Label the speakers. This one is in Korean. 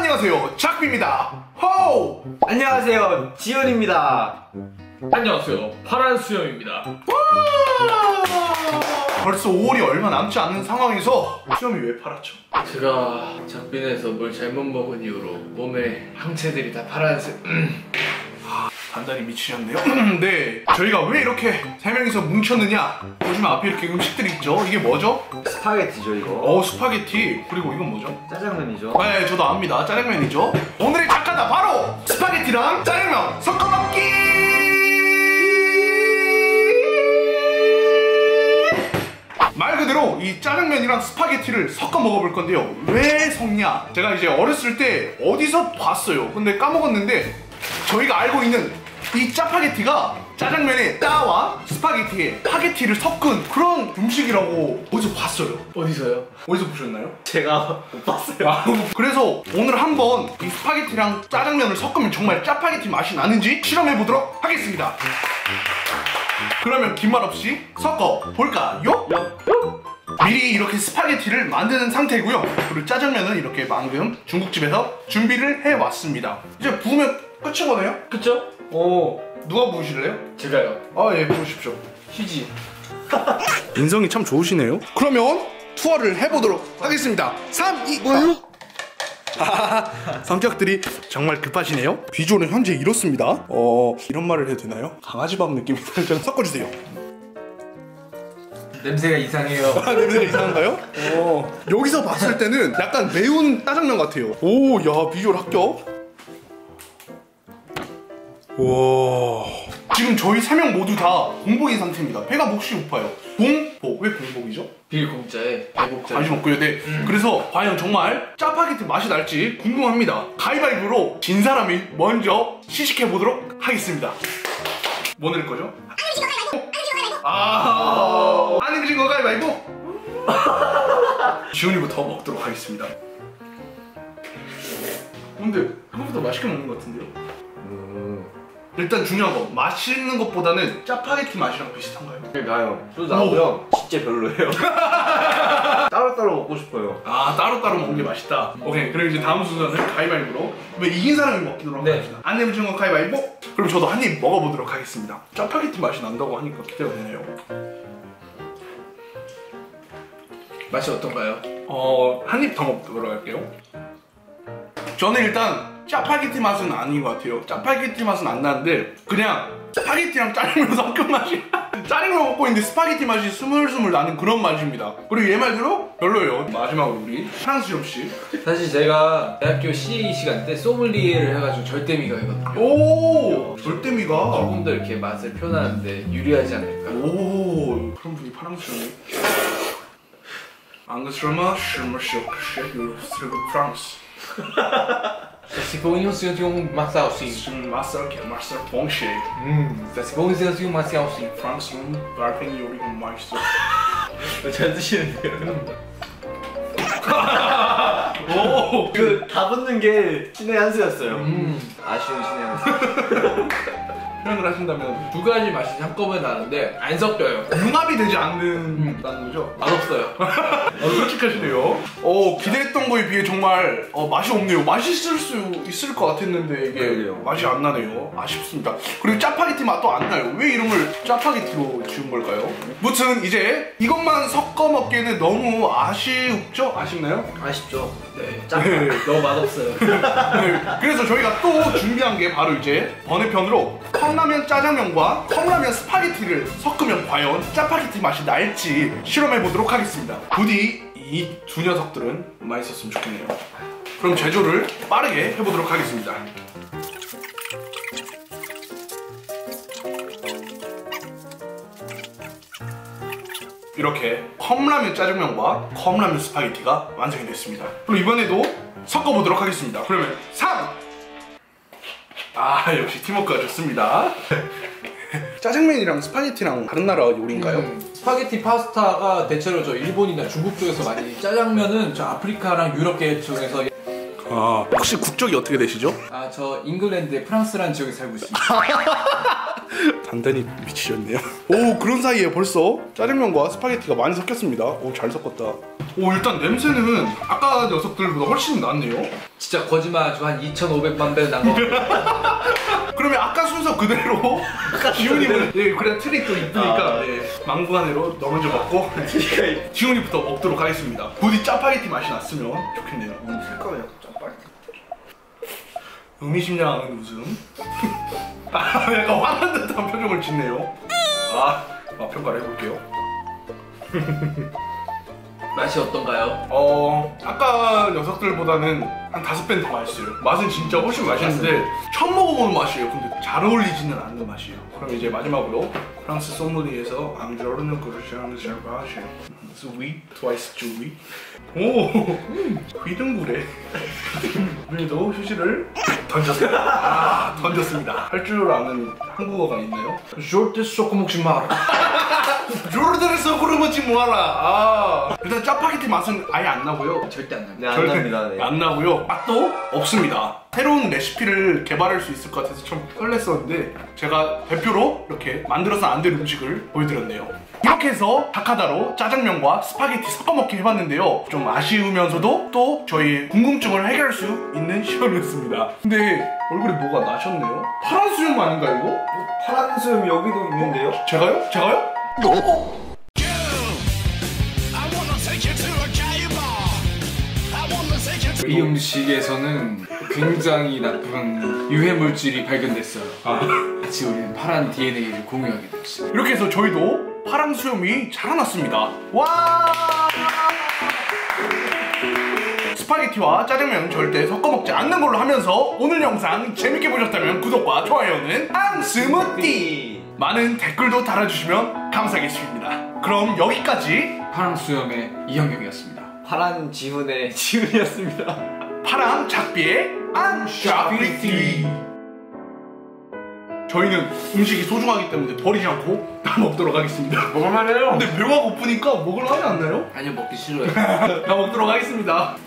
Speaker 1: 안녕하세요, 작비입니다. 호우!
Speaker 2: 안녕하세요, 지훈입니다.
Speaker 3: 안녕하세요, 파란 수염입니다.
Speaker 1: 벌써 5월이 얼마 남지 않은 상황에서 수염이 왜 파랗죠?
Speaker 3: 제가 작빈에서 뭘 잘못 먹은 이후로 몸에 항체들이 다 파란색.
Speaker 1: 단단히 미치셨네요. 네, 저희가 왜 이렇게 3명이서 뭉쳤느냐? 보시면 앞에 이렇게 음식들이 있죠? 이게 뭐죠?
Speaker 2: 스파게티죠, 이거.
Speaker 1: 스파게티. 그리고 이건 뭐죠?
Speaker 2: 짜장면이죠.
Speaker 1: 네, 저도 압니다. 짜장면이죠. 오늘의 작가다 바로 스파게티랑 짜장면 섞어 먹기! 말 그대로 이 짜장면이랑 스파게티를 섞어 먹어볼 건데요. 왜 섞냐? 제가 이제 어렸을 때 어디서 봤어요. 근데 까먹었는데 저희가 알고 있는 이 짜파게티가 짜장면에 짜와 스파게티에 파게티를 섞은 그런 음식이라고 어디서 봤어요.
Speaker 3: 어디서요?
Speaker 1: 어디서 보셨나요?
Speaker 2: 제가 못 봤어요.
Speaker 1: 그래서 오늘 한번 이 스파게티랑 짜장면을 섞으면 정말 짜파게티 맛이 나는지 실험해보도록 하겠습니다. 그러면 긴 말 없이 섞어 볼까요? 미리 이렇게 스파게티를 만드는 상태고요. 그리고 짜장면은 이렇게 방금 중국집에서 준비를 해왔습니다. 이제 부으면 끝인 거네요?
Speaker 3: 그쵸?
Speaker 1: 누가 부으실래요?
Speaker 3: 제가요.
Speaker 1: 예, 부으십시오.
Speaker 3: 휴지.
Speaker 1: 인성이 참 좋으시네요. 그러면 투어를 해보도록 하겠습니다. 3, 2, 1. 성격들이 정말 급하시네요. 비주얼은 현재 이렇습니다. 이런 말을 해도 되나요? 강아지밥 느낌이 살짝 섞어주세요.
Speaker 3: 냄새가 이상해요.
Speaker 1: 냄새가 이상한가요? 여기서 봤을 때는 약간 매운 짜장면 같아요. 오, 야, 비주얼 합격. 와, 지금 저희 3명 모두 다 공복인 상태입니다. 배가 몹시 고파요. 공복, 왜 공복이죠?
Speaker 3: 빌공짜에 배복짜에
Speaker 1: 관심 없고요. 네. 그래서 과연 정말 짜파게티 맛이 날지 궁금합니다. 가위바위보로 진 사람이 먼저 시식해보도록 하겠습니다. 뭐 넣을 거죠? 안 익으신 거 가위바위보? 지훈이부터 먹도록 하겠습니다. 근데 생각보다 맛있게 먹는 것 같은데요? 일단 중요한 거, 맛있는 것보다는 짜파게티 맛이랑 비슷한가요?
Speaker 2: 나요. 또 나고요. 진짜 별로예요. 따로따로 먹고 싶어요.
Speaker 1: 따로따로 먹는 게 맛있다. 오케이, 그럼 이제 다음 순서는 가위바위보로 왜 이긴 사람이 먹도록 하겠습니다. 안 내면 거 가위바위보? 그럼 저도 한 입 먹어보도록 하겠습니다. 짜파게티 맛이 난다고 하니까 기대가 되네요.
Speaker 3: 맛이 어떤가요?
Speaker 1: 한 입 더 먹도록 할게요. 저는 일단 짜파게티 맛은 아닌 것 같아요. 짜파게티 맛은 안 나는데 그냥 스파게티랑 짜장면 섞은 맛이 짜장면 먹고 있는데 스파게티 맛이 스물스물 나는 그런 맛입니다. 그리고 얘 말대로 별로예요. 마지막으로 우리 프랑스엽씨.
Speaker 3: 사실 제가 대학교 CA 시간 때 소믈리에를 해가지고 절대미가이거든요.
Speaker 1: 오, 절대미가.
Speaker 3: 조금 더 이렇게 맛을 표현하는데 유리하지 않을까.
Speaker 1: 오, 그런 분이 프랑스였네. 앙그스르마 슈머쇼 쉐그 프랑스.
Speaker 3: Ça c'est pour une situation massa aussi.
Speaker 1: 마살 봉쉐.
Speaker 3: Ça c'est pour une situation massa aussi.
Speaker 1: 프랑스는 발팽이 요리가 맛있어.
Speaker 2: 잘 드시는데요.
Speaker 1: 오,
Speaker 2: 다 붙는 게 신의 한 수였어요. 아쉬운 신의 한 수.
Speaker 1: 표현을 하신다면
Speaker 3: 두 가지 맛이 한꺼번에 나는데 안 섞여요.
Speaker 1: 융합이 되지 않는다는 거죠?
Speaker 3: 맛없어요.
Speaker 1: 솔직하시네요. 기대했던 거에 비해 정말 맛이 없네요. 맛있을 수 있을 것 같았는데 이게
Speaker 2: 그래요.
Speaker 1: 맛이 안 나네요. 아쉽습니다. 그리고 짜파게티 맛도 안 나요. 왜 이름을 짜파게티로 지은 걸까요? 무튼 이제 이것만 섞어 먹기에는 너무 아쉽죠? 아쉽나요?
Speaker 3: 아쉽죠? 네.
Speaker 1: 네.
Speaker 3: 너무 맛없어요.
Speaker 1: 네, 그래서 저희가 또 준비한 게 바로 이제 번외편으로 컵라면 짜장면과 컵라면 스파게티를 섞으면 과연 짜파게티 맛이 날지 실험해보도록 하겠습니다. 부디 이 두 녀석들은 맛있었으면 좋겠네요. 그럼 제조를 빠르게 해보도록 하겠습니다. 이렇게 컵라면 짜장면과 컵라면 스파게티가 완성이 됐습니다. 그럼 이번에도 섞어보도록 하겠습니다. 그러면 3! 역시 팀워크가 좋습니다. 짜장면이랑 스파게티랑 다른 나라 요리인가요?
Speaker 3: 스파게티 파스타가 대체로 저 일본이나 중국 쪽에서 많이, 짜장면은 저 아프리카랑 유럽계 쪽에서.
Speaker 1: 혹시 국적이 어떻게 되시죠?
Speaker 3: 저 잉글랜드의 프랑스라는 지역에 살고 있습니다.
Speaker 1: 단단히 미치셨네요. 오, 그런 사이에 벌써 짜장면과 스파게티가 많이 섞였습니다. 오, 잘 섞었다. 오, 일단 냄새는 아까 녀석들보다 훨씬 낫네요.
Speaker 3: 진짜 거짓말하지 한 2,500만 배 난 거.
Speaker 1: 그러면 아까 순서 그대로 지훈이는 예, 그래 트릭 또 있으니까 예, 망구간으로 너 먼저 먹고 지훈이부터 먹도록 하겠습니다. 부디 짜파게티 맛이 났으면 좋겠네요.
Speaker 2: 색깔이 약간 짜파게티.
Speaker 1: 의미심장한 웃음. 아, 약간 화난 듯한 표정을 짓네요. 맛 평가를 해볼게요.
Speaker 3: 맛이 어떤가요?
Speaker 1: 아까 녀석들보다는 한 5배는 더 맛있어요. 맛은 진짜 훨씬 맛있는데 처음 먹어보는 맛이에요. 근데 잘 어울리지는 않는 맛이에요. 그럼 이제 마지막으로 프랑스 소믈리에에서 앙조르는 그르시아는 샤바시 스위 트와이스 주위. 오, 휘둥그레. 우리도 휴지를 던졌습니다. 던졌습니다. 할 줄 아는 한국어가 있나요?
Speaker 3: 절대 섞어 먹지 마라.
Speaker 1: 조르드에서 그러지 뭐하라. 일단 짜파게티 맛은 아예 안 나고요.
Speaker 3: 절대 안 납니다.
Speaker 2: 네, 안 납니다. 네.
Speaker 1: 안 나고요. 맛도 없습니다. 새로운 레시피를 개발할 수 있을 것 같아서 참 설렜었는데 제가 대표로 이렇게 만들어서 안 될 음식을 보여드렸네요. 이렇게 해서 다카다로 짜장면과 스파게티 섞어먹기 해봤는데요. 좀 아쉬우면서도 또 저희 궁금증을 해결할 수 있는 시간이었습니다. 근데 얼굴에 뭐가 나셨네요? 파란 수염 아닌가 이거?
Speaker 2: 파란 수염 여기도 있는데요?
Speaker 1: 제가요? 제가요?
Speaker 3: 이 음식에서는 굉장히 나쁜 유해 물질이 발견됐어요. 같이 우리는 파란 DNA를 공유하게 됐어요.
Speaker 1: 이렇게 해서 저희도 파랑 수염이 자라났습니다. 와! 스파게티와 짜장면 절대 섞어 먹지 않는 걸로 하면서 오늘 영상 재밌게 보셨다면 구독과 좋아요는 앙스무띠! 많은 댓글도 달아주시면 감사하겠습니다. 그럼 여기까지
Speaker 3: 파랑 수염의 이형경이었습니다.
Speaker 2: 파란 지훈의 지훈이었습니다.
Speaker 1: 파랑 작비의 앙샤비티. 저희는 음식이 소중하기 때문에 버리지 않고 다 먹도록 하겠습니다.
Speaker 3: 먹을만해요.
Speaker 1: 근데 배가 고프니까 먹을만하지 않나요?
Speaker 3: 아니요, 먹기 싫어요.
Speaker 1: 다 먹도록 하겠습니다.